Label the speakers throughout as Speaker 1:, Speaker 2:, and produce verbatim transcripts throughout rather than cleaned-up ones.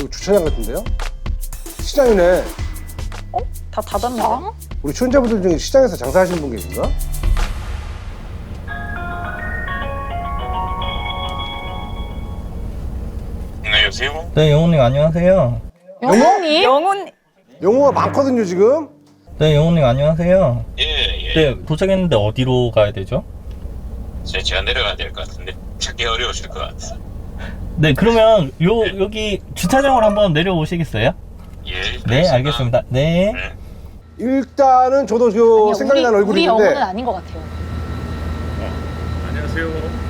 Speaker 1: 주차장 같은데요? 시장이네.
Speaker 2: 어? 다 닫았는데?
Speaker 1: 우리 출연자분들 중에 시장에서 장사하시는 분 계신가?
Speaker 3: 네, 여보세요?
Speaker 4: 네, 영호님 안녕하세요.
Speaker 2: 영훈이? 영훈
Speaker 1: 영호가 많거든요 지금.
Speaker 4: 네, 영호님 안녕하세요.
Speaker 3: 예, 예.
Speaker 4: 네, 도착했는데 어디로 가야 되죠?
Speaker 3: 제- 제가 내려가야 될 것 같은데 찾기 어려우실 것 같아서.
Speaker 4: 네, 그러면 요 여기 주차장으로 한번 내려오시겠어요?
Speaker 3: 예.
Speaker 4: 네, 알겠습니다. 네.
Speaker 3: 네.
Speaker 1: 일단은 저도 그
Speaker 5: 아니요,
Speaker 1: 생각이
Speaker 5: 우리,
Speaker 1: 나는 얼굴이
Speaker 5: 우리
Speaker 1: 있는데
Speaker 5: 영혼은 아닌 것 같아요.
Speaker 3: 안녕하세요.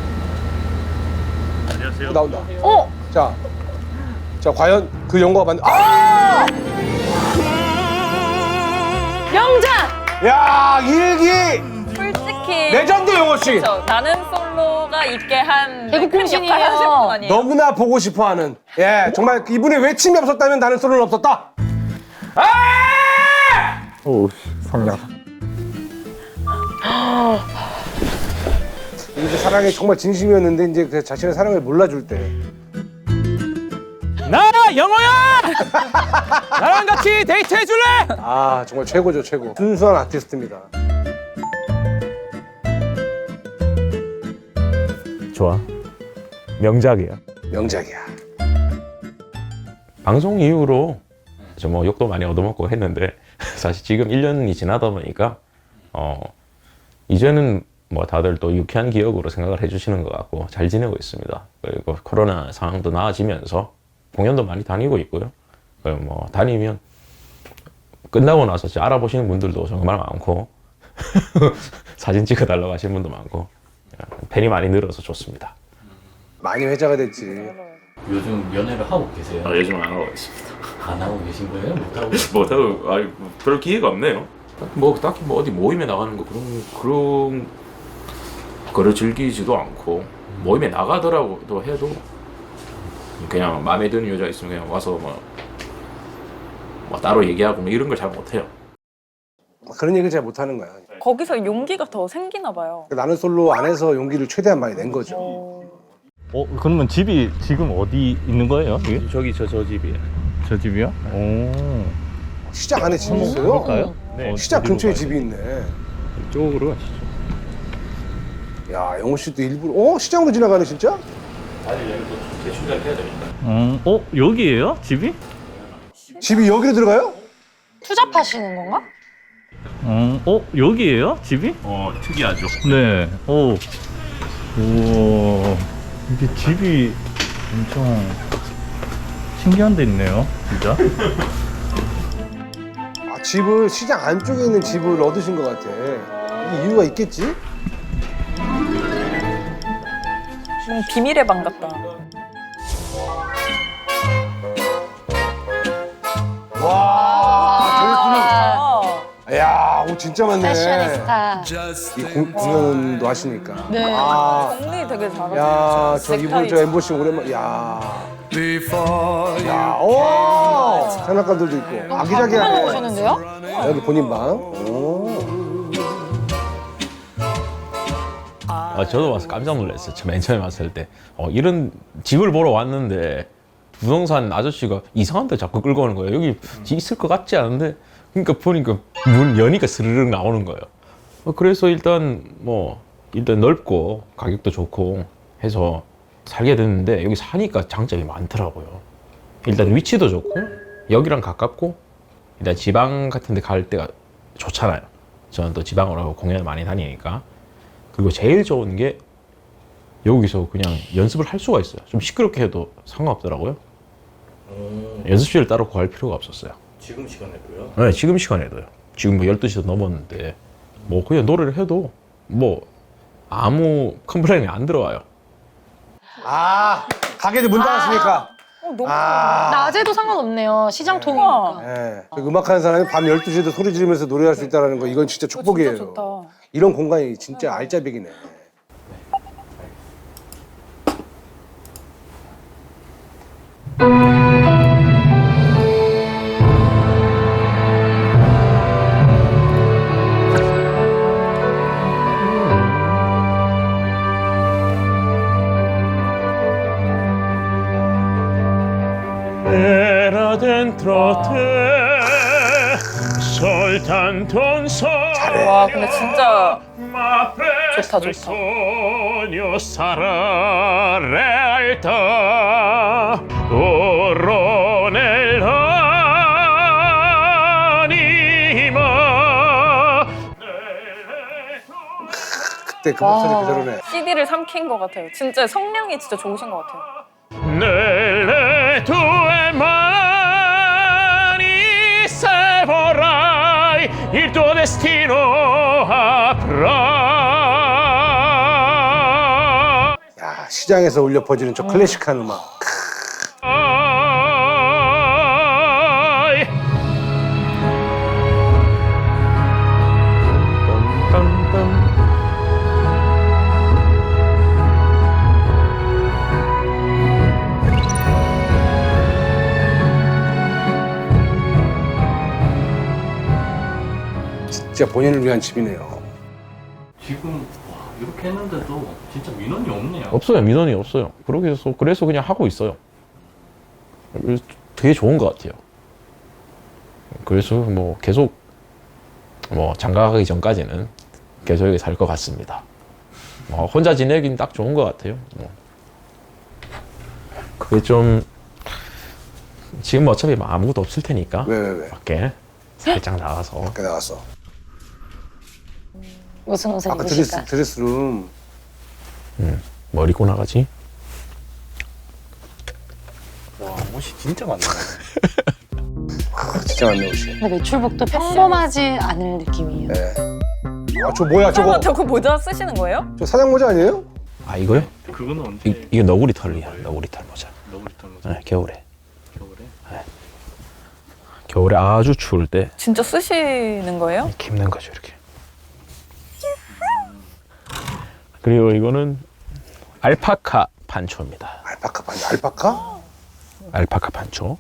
Speaker 3: 안녕하세요.
Speaker 1: 나온다.
Speaker 5: 어?
Speaker 1: 자, 자 과연 그 영호가 맞는? 아!
Speaker 5: 명장!
Speaker 1: 야 일기
Speaker 2: 솔직히
Speaker 1: 레전드 영호 씨.
Speaker 2: 그렇죠. 나는 솔로가 있게 한
Speaker 5: 대구
Speaker 2: 큰
Speaker 5: 공신이에요.
Speaker 2: 역할을 하실 분 아니에요?
Speaker 1: 너무나 보고 싶어하는. 예, 정말 이분의 외침이 없었다면 나는 소리는 없었다. 아!
Speaker 6: 오, 성량.
Speaker 1: 이제 사랑이 정말 진심이었는데 이제 그 자신의 사랑을 몰라줄 때.
Speaker 6: 나 영호야! 나랑 같이 데이트 해줄래?
Speaker 1: 아 정말 최고죠 최고. 순수한 아티스트입니다.
Speaker 6: 좋아. 명작이야.
Speaker 1: 명작이야.
Speaker 7: 방송 이후로 저 뭐 욕도 많이 얻어먹고 했는데 사실 지금 일 년이 지나다 보니까 어 이제는 뭐 다들 또 유쾌한 기억으로 생각을 해주시는 것 같고 잘 지내고 있습니다. 그리고 코로나 상황도 나아지면서 공연도 많이 다니고 있고요. 그리고 뭐 다니면 끝나고 나서 진짜 알아보시는 분들도 정말 많고 사진 찍어달라고 하시는 분도 많고 팬이 많이 늘어서 좋습니다.
Speaker 1: 많이 회자가 됐지.
Speaker 4: 요즘 연애를 하고 계세요?
Speaker 7: 아, 요즘 안 하고 있습니다.
Speaker 4: 안 하고 계신 거예요? 못 하고
Speaker 7: 못하고 아니 뭐 별 기회가 없네요. 뭐 딱히 뭐 어디 모임에 나가는 거 그런 그런 거를 즐기지도 않고 모임에 나가더라도 해도 그냥 마음에 드는 여자 있으면 그냥 와서 뭐, 뭐 따로 얘기하고 뭐 이런 걸 잘 못해요.
Speaker 1: 그런 얘기를 잘 못하는 거야.
Speaker 2: 거기서 용기가 더 생기나 봐요.
Speaker 1: 나는 솔로 안에서 용기를 최대한 많이 낸 거죠.
Speaker 4: 어, 그러면 집이 지금 어디 있는 거예요? 이게?
Speaker 7: 저기 저 저 집이에요.
Speaker 4: 저 집이요? 오.
Speaker 1: 시장 안에 집이 있어요?
Speaker 4: 그럴까요?
Speaker 7: 네.
Speaker 1: 시장 근처에 집이 있네.
Speaker 7: 이쪽으로 가시죠.
Speaker 1: 야 영호 씨도 일부러 어 시장으로 지나가네 진짜?
Speaker 7: 아니 여기 또 재충전을 해야 되니까.
Speaker 4: 음, 어, 여기예요? 집이?
Speaker 1: 집이 여기로 들어가요?
Speaker 5: 투잡하시는 건가?
Speaker 4: 음, 어, 여기예요? 집이?
Speaker 7: 어 특이하죠.
Speaker 4: 네. 오. 우와. 이게 집이 엄청 신기한 데 있네요. 진짜.
Speaker 1: 아 집을 시장 안쪽에 있는 집을 얻으신 것 같아. 이 이유가 있겠지?
Speaker 2: 지금 비밀의 방 같다.
Speaker 1: 와
Speaker 2: 아,
Speaker 1: 야, 옷 진짜 많네.
Speaker 5: 패셔니스타.
Speaker 1: 이 공, 공연도 하시니까.
Speaker 5: 네.
Speaker 1: 아,
Speaker 2: 정리 되게 잘하세요.
Speaker 1: 야, 저 이번 저 엠보싱 오랜만. 야, 야, 오, 장난감들도 있고.
Speaker 5: 하고
Speaker 1: 아기자기하네.
Speaker 5: 오셨는데요?
Speaker 1: 여기 본인 방. 오.
Speaker 7: 아, 저도 와서 깜짝 놀랐어요. 맨 처음에 왔을 때. 어, 이런 집을 보러 왔는데 부동산 아저씨가 이상한 데 자꾸 끌고 오는 거예요. 여기 집 있을 것 같지 않은데. 그러니까 보니까 문 여니까 스르륵 나오는 거예요. 어, 그래서 일단 뭐 일단 넓고 가격도 좋고 해서 살게 됐는데 여기 사니까 장점이 많더라고요. 일단 위치도 좋고 여기랑 가깝고 일단 지방 같은 데 갈 때가 좋잖아요. 저는 또 지방으로 공연을 많이 다니니까. 그리고 제일 좋은 게 여기서 그냥 연습을 할 수가 있어요. 좀 시끄럽게 해도 상관없더라고요. 연습실을 따로 구할 필요가 없었어요.
Speaker 4: 지금 시간에도요?
Speaker 7: 네, 지금 시간에도요. 지금 뭐 열두 시도 넘었는데 뭐 그냥 노래를 해도 뭐 아무 컴플레인이 안 들어와요.
Speaker 1: 아, 가게들 문 닫았으니까.
Speaker 2: 어, 너무
Speaker 1: 아.
Speaker 5: 낮에도 상관없네요. 시장 통이니까.
Speaker 1: 예. 그 음악하는 사람이 밤 열두 시에도 소리 지르면서 노래할 수 있다는 거, 이건 진짜 축복이에요.
Speaker 2: 진짜 좋다.
Speaker 1: 이런 공간이 진짜 알짜배기네.
Speaker 4: 네.
Speaker 7: dentro te soltanto un sogno.
Speaker 2: 와 근데 진짜
Speaker 7: Ma presto
Speaker 2: 좋다,
Speaker 7: il
Speaker 2: 좋다.
Speaker 7: sogno sarà realtà. Corro nell'anima.
Speaker 1: 그때 그 목소리 그대로네.
Speaker 2: 씨디를 삼킨 것 같아요. 진짜 성량이 진짜 좋으신 것 같아요.
Speaker 7: Nelle tue mani se vorrai il tuo destino avrà.
Speaker 1: 야, 시장에서 울려 퍼지는 저 클래식한 음악. 진짜 본인을 위한 집이네요.
Speaker 4: 지금 와, 이렇게 했는데도 진짜 민원이 없네요.
Speaker 7: 없어요. 민원이 없어요. 그렇게 해서 그래서 그냥 하고 있어요. 그래서 되게 좋은 것 같아요. 그래서 뭐 계속 뭐 장가가기 전까지는 계속 여기 살 것 같습니다. 뭐 혼자 지내긴 딱 좋은 것 같아요. 뭐. 그게 좀 지금 어차피 뭐 아무것도 없을 테니까
Speaker 1: 왜, 왜, 왜?
Speaker 7: 밖에 살짝 나가서
Speaker 1: 밖에 나갔어.
Speaker 5: 무슨 옷을
Speaker 1: 아까 드레스,
Speaker 5: 입으실까?
Speaker 1: 드레스룸.
Speaker 7: 음, 뭘 입고 나가지?
Speaker 4: 와 옷이 진짜 많네.
Speaker 1: 아, 진짜 많네, 옷이.
Speaker 5: 근데 외출복도 평범하지 않을 느낌이에요.
Speaker 1: 네. 아, 저 뭐야, 저거?
Speaker 2: 설마 저거 모자 쓰시는 거예요?
Speaker 1: 저 사장 모자 아니에요?
Speaker 7: 아 이거요?
Speaker 4: 그거는 언제?
Speaker 7: 이, 이게 너구리 털이야. 너구리 털 모자.
Speaker 4: 너구리 털
Speaker 7: 네, 겨울에.
Speaker 4: 겨울에?
Speaker 7: 겨울에 아주 추울 때
Speaker 2: 진짜 쓰시는 거예요?
Speaker 7: 이렇게 입는 거죠, 이렇게. 그리고 이거는 알파카 판초입니다.
Speaker 1: 알파카 반지, 알파카?
Speaker 7: 알파카 판초.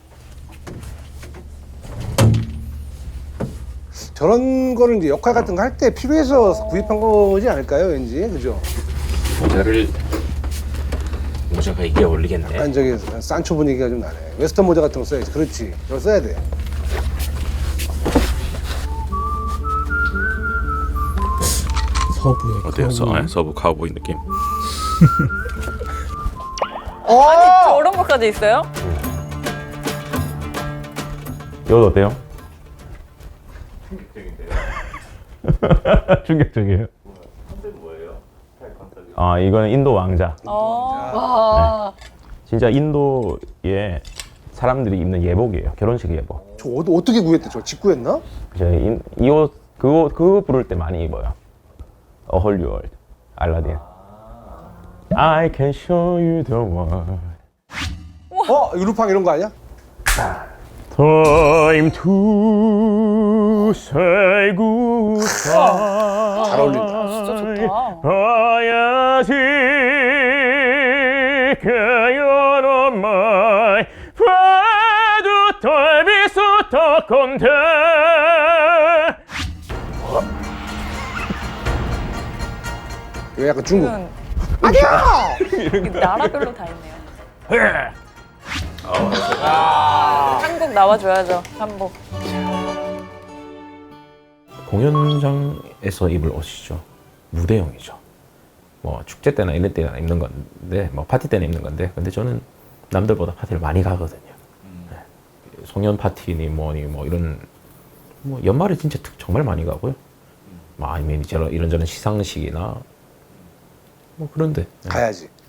Speaker 1: 저런 거는 이제 역할 같은 거 할 때 필요해서 구입한 거지 않을까요, 왠지? 그죠?
Speaker 7: 모자를 모자가 이게 어울리겠네.
Speaker 1: 약간 저기 산초 분위기가 좀 나네. 웨스턴 모자 같은 거 써야지. 그렇지. 이걸 써야 돼.
Speaker 6: 서부의
Speaker 7: 어때요? 서, 네, 서부 카우보이 느낌.
Speaker 2: 아니 저런 것까지 있어요?
Speaker 7: 이거 어때요? 충격적이에요. 아 이거는 인도 왕자.
Speaker 2: 어.
Speaker 5: 와.
Speaker 7: 진짜 인도의 사람들이 입는 예복이에요. 결혼식 예복.
Speaker 1: 저 옷, 어떻게 구했대? 저 직구했나?
Speaker 7: 이 옷 그거 그거 부를 때 많이 입어요. A Whole New World, 알라딘. I can show you the world.
Speaker 1: 어? 루팡 이런 거 아니야?
Speaker 7: Time to say goodbye.
Speaker 1: 잘 어울린다.
Speaker 2: 진짜 좋다.
Speaker 7: 봐야지 그여러 말 봐도 돌비수터 건데.
Speaker 1: 이거 약간 중국.
Speaker 2: 아니야. 나라별로 다 있네요. 아, 한국 나와줘야죠. 한복.
Speaker 7: 공연장에서 입을 옷이죠. 무대용이죠. 뭐 축제 때나 이런 때나 입는 건데, 뭐 파티 때나 입는 건데, 근데 저는 남들보다 파티를 많이 가거든요. 네. 송년 파티니 뭐니 뭐 이런 뭐 연말에 진짜 특- 정말 많이 가고요. 뭐 아니면 이런 이런저런 시상식이나 뭐 그런데 네.
Speaker 1: 가야지.